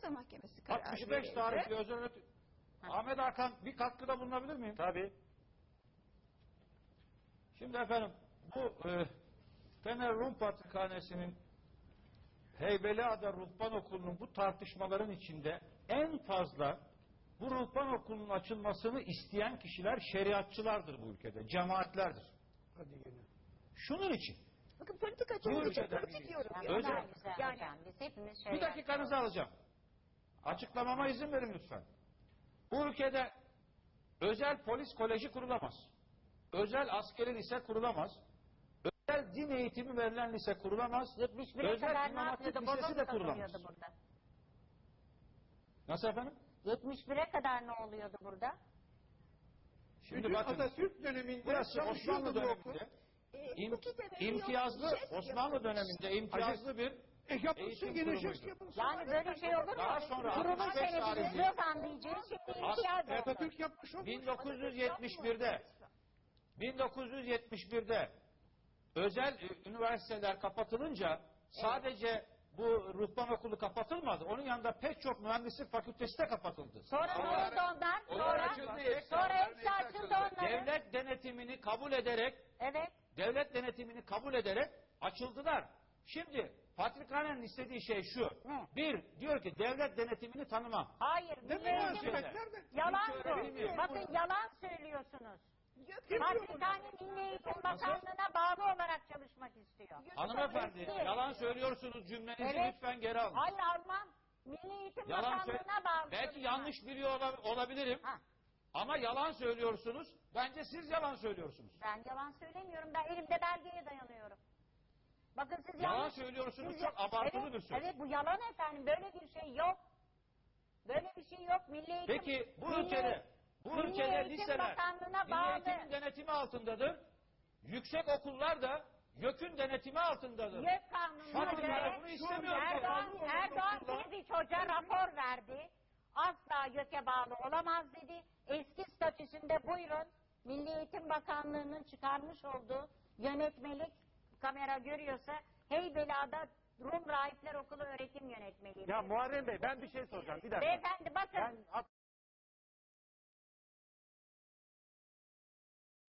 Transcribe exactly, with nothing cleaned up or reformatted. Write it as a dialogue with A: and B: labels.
A: Anayasa Mahkemesi karar
B: altmış beş
A: verildi.
B: tarihli özel öğretim. Ahmet Hakan bir katkıda bulunabilir miyim?
C: Tabii.
B: Şimdi efendim bu e, Fener Rum Patrikhanesi'nin Heybeliada Ruhban Okulu'nun bu tartışmaların içinde en fazla bu ruhban okulunun açılmasını isteyen kişiler şeriatçılardır bu ülkede, cemaatlerdir.
C: Hadi yine.
B: Şunun için.
A: Bakın politikacı
B: Bu
A: olunca
B: ülkede
A: politik diyorum.
D: Yani
A: ya.
B: özel-
D: özel, güzel
A: Yani-
D: hocam. Biz hepimiz
B: Bir
D: şeriat
B: dakikanızı alacağım. Açıklamama izin verin lütfen. Bu ülkede özel polis koleji kurulamaz. Özel askeri lise kurulamaz. Özel din eğitimi verilen lise kurulamaz.
D: yetmiş bire
B: Özel
D: kadar ne
B: İmam Hatip
D: yapıyordu?
B: Lisesi
D: Boza
B: de
D: mı
B: kurulamaz.
D: takılıyordu burada?
B: Nasıl efendim?
D: yetmiş bire kadar ne oluyordu burada?
B: Şimdi
C: Bütün
B: bakın.
C: Atatürk döneminde
B: Burası Osmanlı
C: çalışıyordu bu okul.
B: döneminde
A: E,
B: im,
A: hukuki temeli yok,
B: imtiyazlı
A: jest
B: Osmanlı
A: yapılmış.
B: döneminde imtiyazlı bir
C: E yapılsın
B: eğitim
C: gene
B: kurumuydu.
C: jest yapılsın.
D: Yani böyle şey olur mu?
B: Daha sonra
D: Kurulun
B: altmış beş
D: senedini
B: tarihli-
D: slogan diyeceğiz. Şimdi
B: As-
D: imtiyaz oldu.
C: Atatürk yapmış olmuş.
B: bin dokuz yüz yetmiş bir'de bin dokuz yüz yetmiş bir'de özel e, üniversiteler kapatılınca sadece bu ruhban okulu kapatılmadı. Onun yanında pek çok mühendislik fakültesi de kapatıldı.
D: Sonra ne
B: Onlar-
D: oldu ondan?
B: onlar
D: Sonra,
B: açıldı.
D: sonra hepsi açıldı onların.
B: Devlet denetimini kabul ederek
D: Evet.
B: devlet denetimini kabul ederek açıldılar. Şimdi Patrikhane'nin istediği şey şu.
D: Ne?
B: Bir, diyor ki devlet denetimini tanımam.
D: Hayır.
C: Ne
D: milli eğitim-
C: münasebet, nerede?
D: Yalan
B: Hiç
D: bu.
B: öğrenilmiyor.
D: Bakın yalan söylüyorsunuz.
A: Gökhan
D: Patrikhane Milli Eğitim Bakanlığı'na bağlı olarak çalışmak istiyor.
B: Hanımefendi
D: Eski.
B: yalan söylüyorsunuz, cümlenizi
D: Evet.
B: lütfen geri alın.
D: Hayır almam. Milli Eğitim
B: Yalan sö-
D: Bakanlığı'na bağlı.
B: Belki
D: çalışmak.
B: yanlış biliyor ola- olabilirim.
D: Ha,
B: Ama yalan söylüyorsunuz. Bence siz yalan söylüyorsunuz.
D: ben yalan söylemiyorum. Ben elimde belgeye dayanıyorum. Bakın siz
B: Yalan
D: yanlış...
B: söylüyorsunuz,
D: siz-
B: çok abartılı
D: evet,
B: bir söz.
D: Evet bu yalan efendim. Böyle bir şey yok. Böyle bir şey yok. Milli Eğitim...
B: Peki bu
D: Milli-
B: ülkede bu
D: Milli
B: ülkede
D: Eğitim
B: liseler
D: Bakanlığı'na
B: Milli
D: bağlı.
B: Eğitim'in denetimi altındadır. Yüksek okullar da YÖK'ün denetimi altındadır.
D: YÖK kanununa
B: Kadınlar
D: göre
B: bunu istemiyor.
D: Erdoğan, Erdoğan Tediç Hoca rapor verdi. Asla YÖK'e bağlı olamaz dedi. Eski statüsünde buyurun Milli Eğitim Bakanlığı'nın çıkarmış olduğu yönetmelik, kamera görüyorsa, Heybeliada Rum Rahipler Okulu öğretim yönetmeliği.
C: Ya Muharrem Bey ben bir şey soracağım. Bir dakika.
D: Beyefendi bakın.
C: Ben